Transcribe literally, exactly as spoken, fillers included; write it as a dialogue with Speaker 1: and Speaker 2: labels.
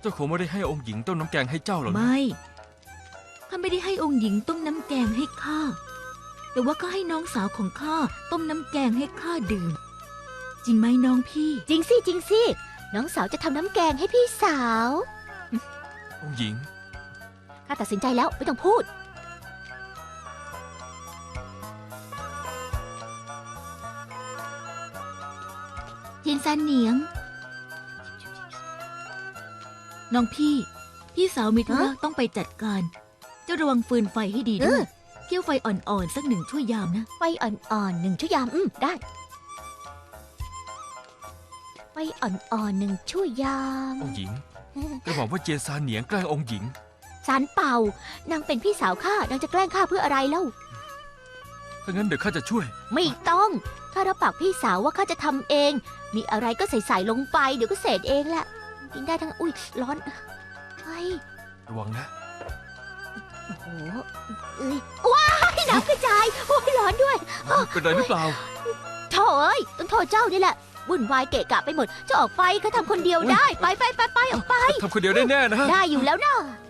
Speaker 1: เจ้าคงไม่ได้ให้องค์หญิงต้มน้ำแกงให้เจ้าหรอกนะ
Speaker 2: ไม่ข้าไม่ได้ให้องค์หญิงต้มน้ำแกงให้ข้าแต่ว่าก็ให้น้องสาวของข้าต้มน้ำแกงให้ข้าดื่มจริงไหมน้องพี่
Speaker 3: จริงสิจริงสิน้องสาวจะทำน้ำแกงให้พี่สาว
Speaker 1: องค์หญิง
Speaker 3: ข้าตัดสินใจแล้วไม่ต้องพูด
Speaker 2: เทียนซานเหนียง น้องพี่ พี่สาวมีธุระ
Speaker 3: ฮะ
Speaker 2: ต้องไปจัดการ เจ้าระวังฟืนไฟให้ดีด้วย
Speaker 3: เออ
Speaker 2: เกี่ยวไฟอ่อนๆสักหนึ่งชั่วยามนะ
Speaker 3: ไฟอ่อนๆหนึ่งชั่วยามอืมได้ไฟอ่อนๆหนึ่งชั่วยาม
Speaker 1: องค์หญิงกระหม่อมว่าเจียนซานเหนียงแกล้งองค์หญิง
Speaker 3: สารเป่านางเป็นพี่สาวข้านางจะแกล้งข้าเพื่ออะไรเล่า
Speaker 1: ถ้างั้นเดี๋ยวข้าจะช่วย
Speaker 3: ไม่ต้องข้ารับปากพี่สาวว่าข้าจะทำเอง มีอะไรก็ใส่ๆลงไปเดี๋ยวก็เสร็จเองแหละกินได้ทั้งอุ้ยร้อนเฮ้ย
Speaker 1: ระวังนะ
Speaker 3: โอ้โหเอ้ยว้ายน้ำกระจายโอ้ยร้อนด้วย
Speaker 1: เป็นไรหรือเปล่า
Speaker 3: โถ่เอ้ยต้องโทษเจ้านี่แหละวุ่นวายเกะกะไปหมดจะออกไปข้าทำคนเดียวได้ ไปไปไปไปออกไป
Speaker 1: ทำคนเดียวได้แน่นะ
Speaker 3: ได้อยู่แล้วนะ
Speaker 1: อ